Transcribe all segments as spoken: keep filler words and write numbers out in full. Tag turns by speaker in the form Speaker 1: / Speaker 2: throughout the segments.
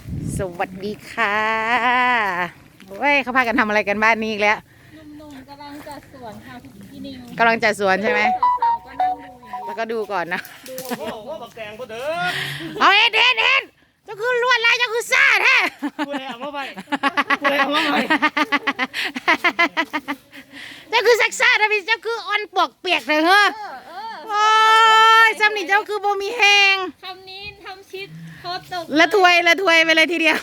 Speaker 1: สวัสดีค่ะเว้ยเขาพากันทำอะไรกันบ้านนี้อีกแล้ว
Speaker 2: หนุ่มๆกำลังจัดสวนค่ะพี่นิว
Speaker 1: กำลังจัดสวนใช่ไหม
Speaker 2: สาวๆก็นั่งดูอยู่
Speaker 1: แล้วก็ดูก่อนนะ
Speaker 2: ดู
Speaker 3: โอ้โหบักแตงก็เด้อ
Speaker 1: เอาเอ็ดเอ็ดเอ็ดเจ้าคือลวดลายเจ้าคือซ่าแท้
Speaker 3: กูเลยเอามาไปกูเลยเอามาไป
Speaker 1: เจ้าคือซักซ่าแต่พี่เจ้าคืออ่อนปวกเปียกเลยเหรอโอ้ยซ้ำนี่เจ้าคือบ่มีแหง
Speaker 2: คำนี้ทำชิดโคตรตก
Speaker 1: ละถวยละถวยไปเลยทีเดียว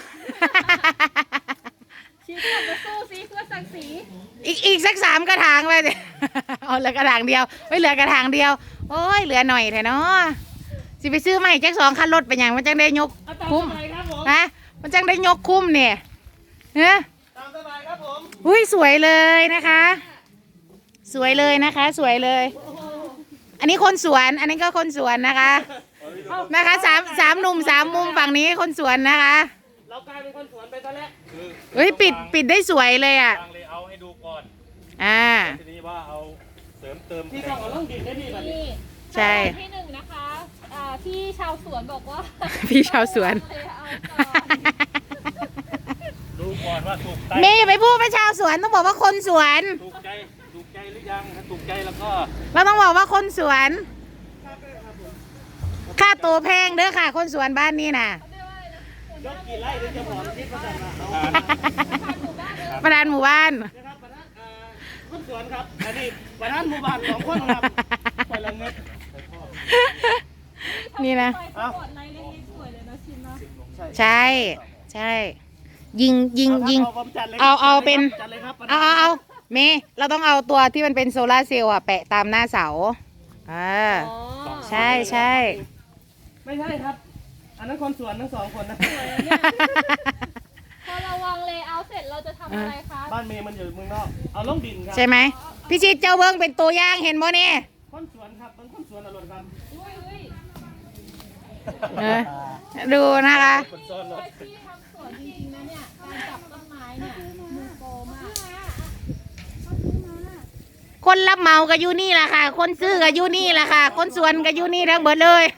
Speaker 2: ชิดกลับมาสู้ซิเพื่อศักดิ์ศรี
Speaker 1: อีกอีกสักสามกระถางไปสิเอาเหลือกระถางเดียวไม่เหลือกระถางเดียวโอ้ยเหลือหน่อยแท้เนาะสิไปซื้อใหม่แจ็คสองคันรถไปอย่างมันจังได้ยกคุ้มฮะมันจังได้ยกคุ้มเนี่ยเฮ้ย
Speaker 3: ตามสบายครับผม
Speaker 1: อุ้ยสวยเลยนะคะ สวยเลยนะคะ สวยเลย อันนี้คนสวนอันนี้ก็คนสวนนะคะนะคะสามสามหนุ่มสามมุมฝั่งนี้คนสวนนะคะ
Speaker 3: เรากลายเป็นคนสวนไปซะแล้ว
Speaker 1: เฮ้ยปิดปิดได้สวยเลยอ่ะ
Speaker 3: ทางเลยเอาให้ดูก่อน
Speaker 1: อ่า
Speaker 3: ทีนี้ว่าเอาเสริมเติมที่ต้องเอาล่องดินได้ดีแบบนี้
Speaker 1: ใช่
Speaker 2: ที่หนึ่งนะคะพี่ชาวสวนบอกว่า
Speaker 1: พี่ชาวสวน
Speaker 3: ดูก่อนว่าถูกใจ
Speaker 1: เมย์ไปพูดไปชาวสวนต้องบอกว่าคนสวน
Speaker 3: ถูกใจถูกใจหรือยังถ้าถูกใจแล้วก็
Speaker 1: เราต้องบอกว่าคนสวนค่าตัวแพงเด้อค่ะคนสวนบ้านนี้น่ะ
Speaker 3: ยกกี่ไร่หรือจะบอกที่ประธาน
Speaker 1: ประธานหมู่บ้าน
Speaker 3: นะครับประธานคนสวนครับอันนี้ประธานหมู่บ้านสองคนครับไปละเงิน
Speaker 1: นี่นะ
Speaker 2: เอา
Speaker 1: ใช่ใช่ยิงยิงยิงเอาเอาเป็นเอาเอาเอาเมย์เราต้องเอาตัวที่มันเป็นโซลาร์เซลล์อะแปะตามหน้าเสาอ่าใช่ใช่
Speaker 3: ไม่ใช่ครับอันนั้นคนสวนทั้งสองคนนะ
Speaker 2: พอเราวางเลเยอร์เสร็จเราจะทำอะไรคะ
Speaker 3: บ้านเมย์มันอยู่เมืองนอกเอาล่องดินครับ
Speaker 1: ใช่ไหมพี่ชิดเจ้าเบิ้งเป็นตัวอย่างเห็นบ่เนี่ย
Speaker 3: คนสวนครับมันคนสวนอร่อยครับ
Speaker 1: ดูนะคะ
Speaker 2: ที่ทำสวนจริงๆนะเนี่ยการจับต้นไม้เนี่ยมือโปรมาก
Speaker 1: คนรับเหมากับยูนี่แหละค่ะคนซื้อกับยูนี่แหละค่ะคนสวนกับยูนี่ทั้งหมดเลย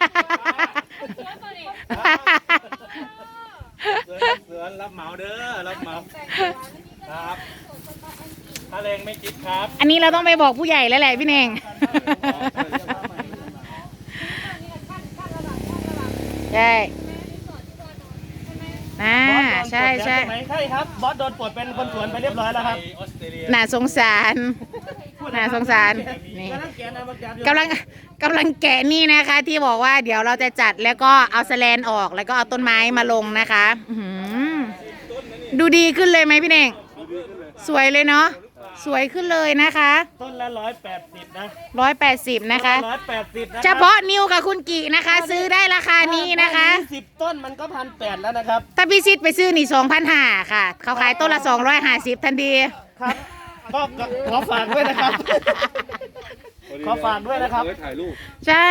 Speaker 3: สวนรับเหมาเด้อรับเหมาครับถ้าแรงไม่คิดครับ
Speaker 1: อันนี้เราต้องไปบอกผู้ใหญ่แล้วแหละพี่เน่งใช่น่าใช่ใช่
Speaker 3: ใช่ครับบอสโดนปลดเป็นคนสวนไปเรียบร้อยแล้วครับ
Speaker 1: น่าสงสารน่าสงสารนี่กำลังกำลังแกะนี่นะคะที่บอกว่าเดี๋ยวเราจะจัดแล้วก็เอาแสแลนออกแล้วก็เอาต้นไม้มาลงนะคะดูดีขึ้นเลยไหมพี่เน่งสวยเลยเนาะสวยขึ้นเลยนะคะ
Speaker 3: ต้นละร้อยแปดสิบนะ
Speaker 1: ร้อยแปดสิบนะคะ
Speaker 3: ร้อยแปดสิบ
Speaker 1: เฉพาะนิวกับคุณกีนะคะซื้อได้ราคานี้นะคะ
Speaker 3: สิบต้นมันก็พันแปดแล้วนะครับ
Speaker 1: ถ้าพี่ซิดไปซื้อนี่สองพันห้าค่ะเขาขายต้นละสองร้อยห้าสิบทันที
Speaker 3: ครับก็ขอฝากด้วยนะครับขอฝากด้วยนะครับ
Speaker 1: ถ่ายรูปใช่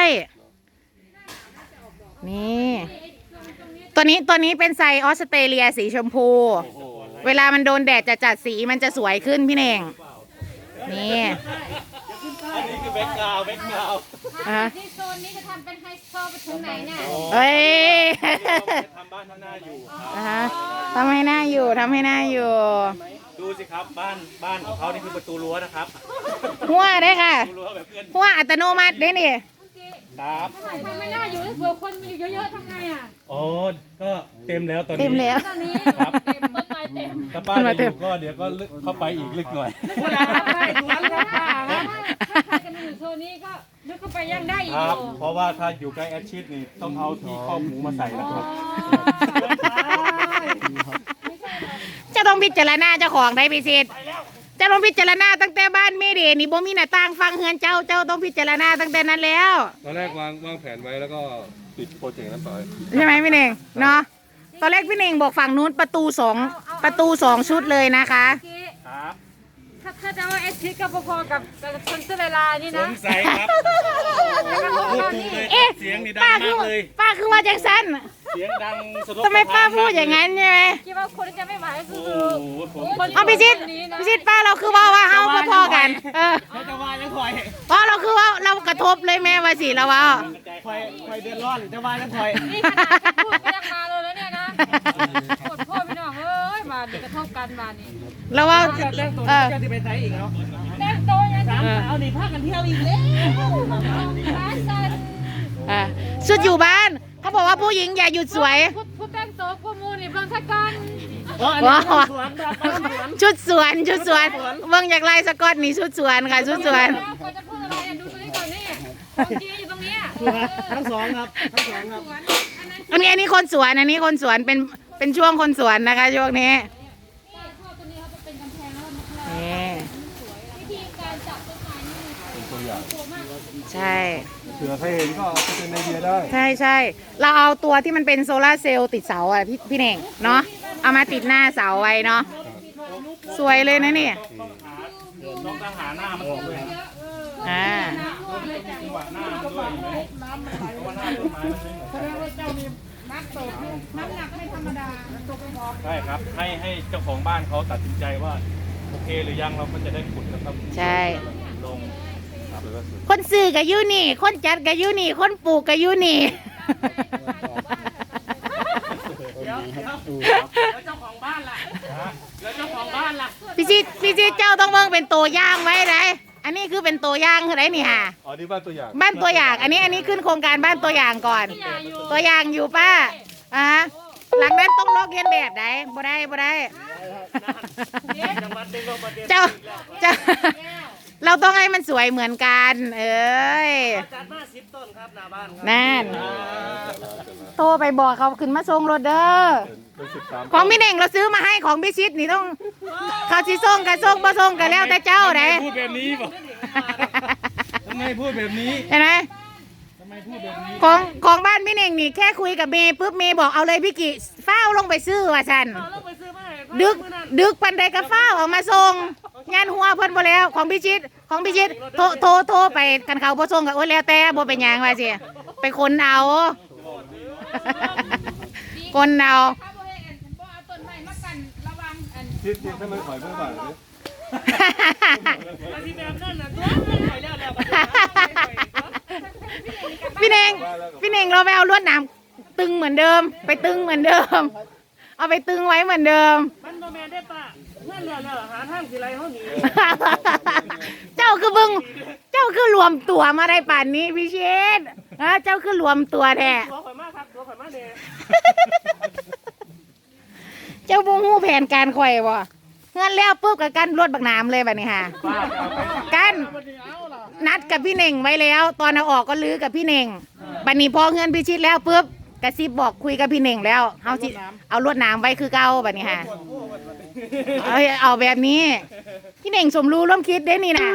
Speaker 1: นี่ตัวนี้ตัวนี้เป็นไซออสเตรเลียสีชมพูเวลามันโดนแดดจะจัดสีมันจะสวยขึ้นพี่เน่งนี่
Speaker 3: อันนี้คือแบ็คกราวด์แบ็คกราวด์
Speaker 2: ที่โซนนี้จะทำเป็นไฮโซไปถึงไหนเนี่ย
Speaker 1: เฮ้ย
Speaker 3: ทำบ้านทำหน้าอยู่
Speaker 1: ทำให้หน้าอยู่ทำให้หน้าอยู่
Speaker 3: ดูสิครับบ้านบ้านของเขานี่คือประตูรั้วนะครับ
Speaker 1: หัวได้ค่ะหัวอัตโนมัติได้นี่
Speaker 3: ครับ
Speaker 2: ทำไม่น่าอยู่เผื่อคนมีอยู่เยอะๆทำไงอ่ะ
Speaker 3: โอ้ก็เต็มแล้วตอนนี้
Speaker 1: เต็มแล้ว
Speaker 2: ตอนนี้ครับเต็มต้นไม้เต็ม
Speaker 3: ถ้าป้าจะอยู่ก็เดี๋ยวก็เข้าไปอีกลึกหน่อย
Speaker 2: ถ้าจะมาอยู่โซนนี้ก็ลึกเข้าไปยังได้อีก
Speaker 3: ครับเพราะว่าถ้าอยู่ใกล้แอดชิดนี่ต้องเอาที่ข้อหมูมาใส่แล้วครับ
Speaker 1: จะต้องพิจารณาเจ้าของได้พิเศษจะต้องพิจารณาตั้งแต่บ้านเมเดนี่บ่มีหน้าต่างฟังเฮือนเจ้าเจ้าต้องพิจารณาตั้งแต่นั้นแล้ว
Speaker 4: ตอนแรกวางวางแผนไว้แล้วก็ปิดโปรเจกต์นั้นไป
Speaker 1: ใช่ไหมพี่เน่งเนาะตอนแรกพี่เน่งบอกฝั่งนู้นประตูสองประตูสองชุดเลยนะคะ
Speaker 3: ครับ
Speaker 2: ถ้าถ้าจะว่าเอสพีก็พอๆกับกับคนเสื้อเวลานี่นะ
Speaker 3: สงสัยครับพูดถูกเลยเสียงนี่ดังมากเลย
Speaker 1: ป้าคือว่าจังสัน
Speaker 3: เสียงดัง
Speaker 1: ทำไมป้าพูดอย่างนั้นใช่ไหม
Speaker 2: คิดว่าคนจะไม่ไหวคือ
Speaker 1: เอาพี่ชิดพี่ชิดป้าเราคือว่าว่าเฮาพอๆกันเออ
Speaker 3: จะว่ายังคอย
Speaker 1: เพราะเราคือว่าเรากระทบเลยแม่ว่าสิเราว่า
Speaker 3: คอยคอยเดือดร้อนจะว่ายังคอย
Speaker 2: นี่ขนาดพูดก็ยังมาเลยแล้วเนี่ยนะกดพ่อพี่น้องเอ้ยมาดิกระทบกันมานี่
Speaker 1: แล้วว่า
Speaker 3: เจ้าแต่งตัว
Speaker 1: เออ
Speaker 3: เจ้าที่ไปไทยอีกแล้ว
Speaker 2: แต่งตัวยัง
Speaker 3: สามสาวนี่พากันเที่ยวอีกแล้ว
Speaker 2: ขาสั่น
Speaker 1: อ่ะชุดอยู่บ้านเขาบอกว่าผู้หญิงอย่าหยุดสวย
Speaker 2: พูดพูดแต่งตัวกูมูนี่เบิ่งสักกัน
Speaker 3: อ๋ออันนี้สวนครับสวน
Speaker 1: ชุดสวนชุดสวนเบิ่งจากลายสกอตนี่ชุดสวนค่ะชุดสวน
Speaker 2: แล้วควรจะพูดอะไรอ่ะดูตัวนี้ก่อนนี่ของจริงอยู่ตรงเนี้ย
Speaker 3: ทั้งสองครับทั้งสองครับ
Speaker 2: สวนอันนั้น
Speaker 1: อันนี้อันนี้คนสวนอันนี้คนสวนเป็นเป็นช่วงคนสวนนะคะช่วงนี้
Speaker 2: นี่พ่อตัวนี้เขาเป็นกำแพงแล้วมัน
Speaker 1: นี่
Speaker 2: วิธีการจับต้นไม้นี่
Speaker 4: เป็นตัวอย่าง
Speaker 2: กลัวมาก
Speaker 1: ใช่
Speaker 4: เผื่อใครเห็นก็เอาไปเป็นไอเดียได้
Speaker 1: ใช่ใช่เราเอาตัวที่มันเป็นโซลาร์เซลล์ติดเสาอ่ะพี่พี่เน่งเนาะเอามาติดหน้าเสาไว้เนาะสวยเลยนะเนี่ย
Speaker 3: ต้องตั้งหาหน้ามันออกเลยนะ
Speaker 1: อ่า
Speaker 3: จังหวะหน้ามันด้วยเห็นไหมเพราะว่าหน้าต้นไม้มันไม่เหมือนกัน
Speaker 2: น้ำหนักไม่ธรรมดา
Speaker 3: ใช่ครับให้ให้เจ้าของบ้านเขาตัดสินใจว่าโอเคหรือยังเราก็จะได้ขุดนะครับ
Speaker 1: ใช่
Speaker 3: ลง
Speaker 1: คนซื้อกับยูนี่ คนจัดกับยูนี่ คนปลูกกับยูนี่
Speaker 3: เดี๋ยวเดี๋ยวแล้วเจ้าของบ้านล่ะแล้วเจ้าของบ้านล่ะ
Speaker 1: พี่ชิดพี่ชิดเจ้าต้องเบิ่งเป็นตัวอย่างไว้ไรอันนี้คือเป็นตัวอย่างคือไรนี่ค่ะ
Speaker 4: อ๋อนี่บ้านตัวอย่าง
Speaker 1: บ้านตัวอย่าง อันนี้อันนี้ขึ้นโครงการบ้านตัวอย่างก่อน ตัวอย่างอยู่ป้าอ่ะหลังนั้นต้องลอกเลียนแบบได้บ่ได้บ่ได้
Speaker 3: จังหวัดเป็นโรคประเด็น
Speaker 1: เจ้าเจ้า เราต้องให้มันสวยเหมือนกัน เอ้ย
Speaker 3: จัดมาสิบต้นครับหน้าบ้านครับ
Speaker 1: นั่น โทรไปบอกเขาขึ้นมาส่งรถเด้อ
Speaker 4: เป็นสิบสาม
Speaker 1: ของพี่เน่งเราซื้อมาให้ของพี่ชิดนี่ต้อง เขาสิส่งกันส่งบ่ส่งกันแล้วแต่เจ้าเด้
Speaker 3: พูดแบบนี้บอกทำไมพูดแบบนี้
Speaker 1: เห็นไหม
Speaker 3: ทำไมพูดแบบนี้
Speaker 1: ของของบ้านพี่เน่งนี่แค่คุยกับเมย์ปุ๊บเมย์บอกเอาเลยพี่กิเฝ้าวลงไปซื้อว่าฉัน
Speaker 3: เราไปซื้อมาให้
Speaker 1: ดึกดึกปันใดก็เฝ้าวออกมาส่งงานหัวเพิ่นบ่แล้วของพี่ชิดของพี่ชิดโทรโทรโทรไปกันเขาบ่ส่งก็โอ้ยแล้วแต่บ่เป็นหยังว่าสิไปคนเอาคนเอา
Speaker 2: ถ้าบ่ให้อันบ่เอาต้นไม้มากันระวังอัน
Speaker 4: ทิศทิศให้มันถอยเพื่อบ่ายเลย
Speaker 3: ที่แบบนั้นน่ะตัวมันไหลแล้วแล้ว
Speaker 1: พี่เน่งพี่เน่งเราไปเอาลวดหนามตึงเหมือนเดิม ไปตึงเหมือนเดิม เอาไปตึงไว้เหมือนเดิม
Speaker 3: มันบ่แม่นได้ป่ะเมื่อแล้วแล้วหาทางสิไรเฮาหนี
Speaker 1: เจ้าคือบึงเจ้าคือรวมตัวมาได้ป่านนี้พี่เชษฮะเจ้าคือรวมตัวแท้
Speaker 3: ตัวข่อยมาครับตัวข่อยมาแน่
Speaker 1: เจ้าบูฮู้แผนการข่อยบ่เงินแล้วปุ๊บกับกันรถบักน้ำเลยแบบนี้ค่ะ
Speaker 3: ป้าเอาไป
Speaker 1: กันนัดกับพี่เน่งไว้แล้ว ตอนเอาออกก็ลื้อกับพี่เน่งบัดนี้พอเงินพิชิตแล้วปุ๊บกระซิบบอกคุยกับพี่เน่งแล้วเอาสิเอาลวดหน้ำไว้คือเก่าแบบนี้ค่ะเอาเอาแบบนี้ พี่เน่งสมรู้ร่วมคิดได้นี่นะ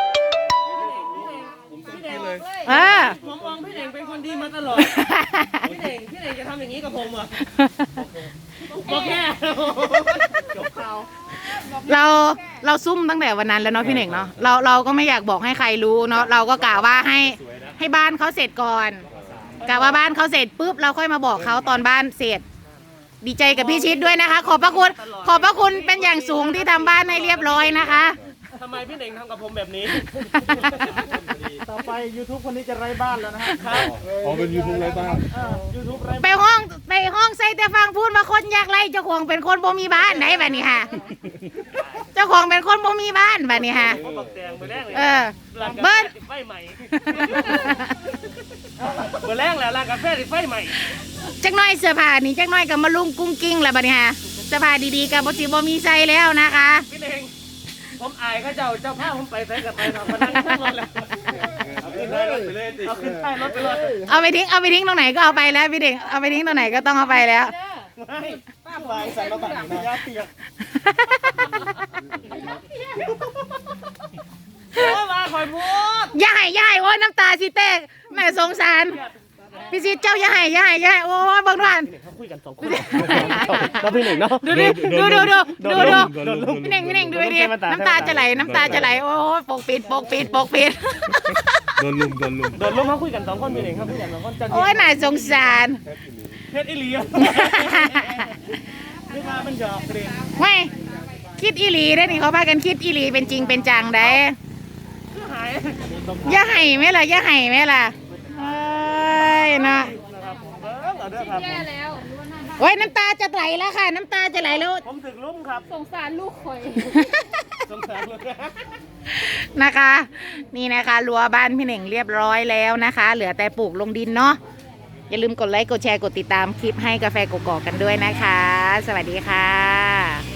Speaker 3: พี่เด่ง
Speaker 1: เออ
Speaker 3: ผมมองพี่เด่งเป็นคนดีมาตลอดพี่เด่งพี่เด่งจะทำอย่างนี้กับผมเหรอบอกแค่จบข่าว
Speaker 1: เราเราซุ่มตั้งแต่วันนั้นแล้วเนาะพี่เน่งเนาะเราเราก็ไม่อยากบอกให้ใครรู้เนาะเราก็กะว่าให้ให้บ้านเขาเสร็จก่อนกะว่าบ้านเขาเสร็จปุ๊บเราค่อยมาบอกเขาตอนบ้านเสร็จ ดีใจกับพี่ชิดด้วยนะคะ ขอบพระคุณขอบพระคุณเป็นอย่างสูงที่ทำบ้านให้เรียบร้อยนะคะ
Speaker 3: ทำไมพี่เด่งทำกับผมแบบนี้ ต่อไป YouTube คนนี้จะไร้บ้านแล้วนะครับ
Speaker 4: อ๋อเป็นยูทูบไรบ้าง
Speaker 3: ยูทูบไร้
Speaker 1: ไปห้องไปห้องใส่แต่ฟังพูดมาคนยากไรเจ้าของเป็นคนบ่มีบ้านไหนแบบนี้ค่ะ เจ้าของเป็นคนบ่มีบ้านแบบนี้ค่ะ
Speaker 3: เขาบักแตงไปแรกเลย
Speaker 1: เออ
Speaker 3: ร้านกา
Speaker 1: เบิ้
Speaker 3: แฟ
Speaker 1: ล
Speaker 3: ติดไฟใหม่เบอร์แรกแหละร้านกาแฟติดไฟใหม่
Speaker 1: จักหน้อยเสื้อผ้านี่จักหน้อยกับมาลุงกุ้งกิ้งแล้วบัดนี้ค่ะเสื้อผ้าดีๆกับบ่สิบ่มีใส่แล้วนะคะ
Speaker 3: พี่เด่งผมอายเขาเจ้าเจ้าภาพผมไปใส่กับไปทำมานั่งทั้งรถแล้วเอาขึ้นท้ายรถไปเลยเอาขึ้นท้ายรถไปเลย
Speaker 1: เอาไปทิ้งเอาไปทิ้งตรงไหนก็เอาไปแล้วพี่เด็กเอาไปทิ้งตรงไหนก็ต้องเอาไปแล้ว
Speaker 3: ไม่ป้าไปใส่มาบัตรมายาเปียกโอ้มาคอยพูด
Speaker 1: อย่าให้อย่าให้โอ้ยน้ำตาสิแตกแม่สงสารพี่ซิดเจ้าอย่าให้อย่าให้อย่าให้โอ้ยเบางท่าน
Speaker 3: เขาคุยกันสองคนแล้วพี่หนึ่งเนาะ
Speaker 1: ดูดิดูดูดูดูดู
Speaker 4: โดนลุม
Speaker 1: พี่เน่งพี่เน่งดูดิน้ำตาจะไหลน้ำตาจะไหลโอ้ยปกปิดปกปิดปกปิด
Speaker 4: โดนลุมโดนลุม
Speaker 3: โดนล้มเขาคุยกันสองคนพี่หนึ่งเขาคุยกันสองคนจะ
Speaker 1: โอ้ยน่าสงสาร
Speaker 3: เพชรอิลีไม่มาเป็นหยอกเรียน
Speaker 1: ไม่คิดอีหลีได้อนี่เขาพากันคิดอีหลีเป็นจริงเป็นจังได้
Speaker 3: หาย
Speaker 1: อย่าให้ไหมล่ะอย่าให้ไหมล่ะเอ้ยนะ
Speaker 3: นะครับเออเอาเด้อครับ
Speaker 2: แย่แล้วรู้ว่าหน้าบ้าน
Speaker 1: โโอ้ยน้ำตาจะไหลแล้วค่ะ น้ำตาจะไหลแล้ว
Speaker 3: ผมถึกลุ่มครับ
Speaker 2: สงสารลูกข่อย
Speaker 3: สงสารเลย
Speaker 1: นะคะ นี่นะคะรั้วบ้านพี่เหน่งเรียบร้อยแล้วนะคะ เหลือแต่ปลูกลงดินเนาะอย่าลืมกดไลค์กดแชร์กดติดตามคลิปให้กาแฟกกอกกันด้วยนะคะ สวัสดีค่ะ